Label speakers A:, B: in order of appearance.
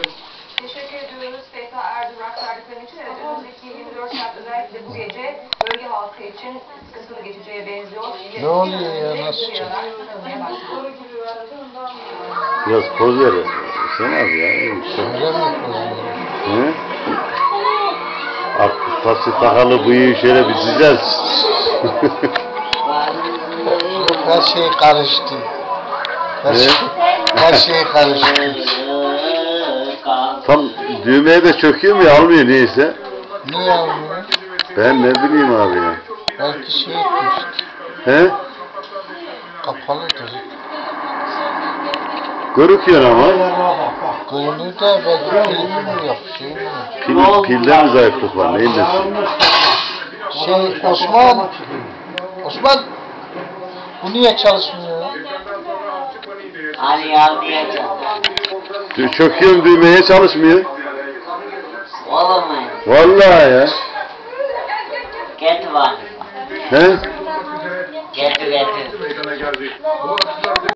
A: Teşekkür ediyoruz Feyza Erdoğan aktardıkların için. Evet, önümüzdeki 24 saat özellikle bu gece bölge halkı için sıkıntılı geçeceğe benziyor.
B: Ne oluyor ya, nasıl
C: Biraz poz ver. Sen abi ya.
B: Öyle mi yapıyorsun?
C: Hı? Artık pası takalı bıyığı şöyle bir düzelt.
B: Her şey karıştı. Her şey karıştı.
C: Tam düğmeye de çöküyor mu ya, almıyor neyse.
B: Niye almıyor?
C: Ben ne bileyim abi ya.
B: Belki şey etmişti.
C: He?
B: Kapalıdır.
C: Görüküyor ama.
B: Görünür de belki pilimi mi yok, şey mi yok?
C: Pilde mi zayıflık var, neyin nesi?
B: Osman, bu niye çalışmıyor?
D: Ali almayacağım.
C: Çöküyorum düğmeye, çalışmıyor.
D: Olamıyor.
C: Vallahi ya.
D: Get var.
C: He?
D: Getir.